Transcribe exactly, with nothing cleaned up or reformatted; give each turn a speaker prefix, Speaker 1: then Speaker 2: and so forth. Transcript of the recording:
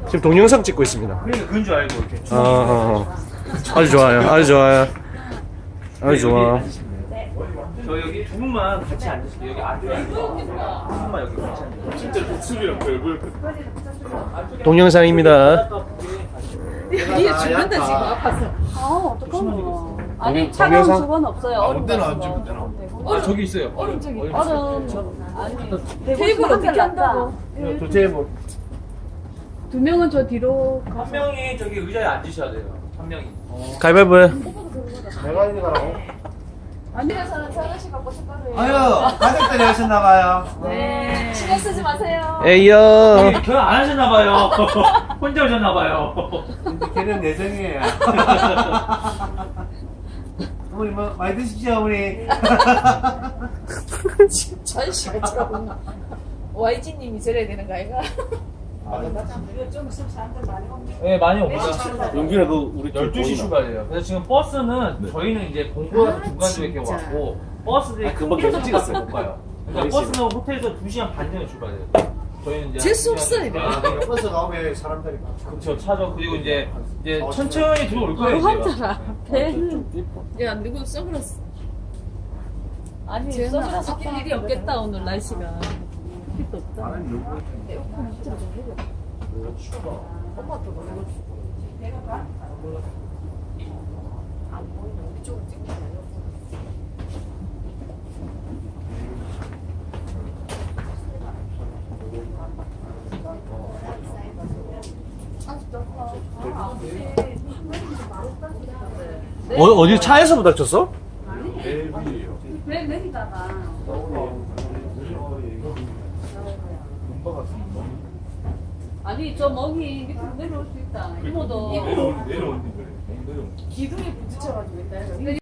Speaker 1: 지금 동영상 찍고 있습니다.
Speaker 2: 그러니까 그건 줄 알고 이렇게.
Speaker 1: 어, 어, 어. 아주 좋아요. 아주 좋아요. 아주 좋아.
Speaker 2: 저 여기 두 분만 같이 앉으세요. 여기 앉으세요. 두 분만 여기 같이 앉으세요. 진짜 독수리랑 별걸.
Speaker 1: 동영상입니다.
Speaker 3: 이게 죽는다 지금 아파서.
Speaker 4: 아, 어떡하노. 아니,
Speaker 1: 동영-
Speaker 4: 차가운
Speaker 1: 동영상?
Speaker 4: 수건 없어요. 얼음
Speaker 5: 때나
Speaker 4: 같은 거.
Speaker 5: 앉으면 되나?
Speaker 2: 아 저기 있어요. 얼음 저기.
Speaker 4: 얼음. 아니,
Speaker 3: 테이블 어떻게 한다고?
Speaker 5: 도대체 뭐
Speaker 4: 두 명은 저 뒤로.
Speaker 2: 한 명이 저기 의자에 앉으셔야 돼요. 한 명이.
Speaker 1: 가위바위보 해.
Speaker 5: 내가 이리 가라고?
Speaker 3: 아니라서는 사가시 갖고 숟가락을.
Speaker 5: 아유 가족들이 하셨나봐요.
Speaker 3: 네. 신경 쓰지 마세요.
Speaker 1: 에이요.
Speaker 2: 결혼 안 하셨나봐요. 혼자 오셨나봐요.
Speaker 5: 이제 걔는 예정이에요. 어머니 뭐 많이 드십시오 어머니.
Speaker 3: 전시가 참. 와이지님이 저래야 되는 거 아이가?
Speaker 2: 네 많이 옵니다.
Speaker 5: 용기라 그 우리
Speaker 2: 열두 시 출발이에요. 그래서 지금 버스는 저희는 이제 공부가 중간중에 이렇게 왔고 버스들이 금방 계속 찍었어요. 못 가요. 그러니까 버스는 호텔에서 두 시간 반 전에 출발해요. 저희는 이제
Speaker 3: 재수 없어, 이거.
Speaker 5: 버스 나오면 사람들이 많죠.
Speaker 2: 그렇죠 차죠. 그리고 이제 이제 천천히 들어올 거예요. 저희가.
Speaker 4: 한자라. 배는.
Speaker 3: 야 누구 선글라스?
Speaker 4: 아니,
Speaker 3: 쟤는
Speaker 4: 선글라스
Speaker 3: 아빠
Speaker 4: 낄 일이 없겠다, 오늘 날씨가. 빛도 없다.
Speaker 1: 어, 어디 차에서 부닥쳤어?
Speaker 4: 배 내리다가. 아니, 저 멍이 밑으로 내려올 수 있다. 이모도.
Speaker 3: 기둥에 부딪혀가지고 있다.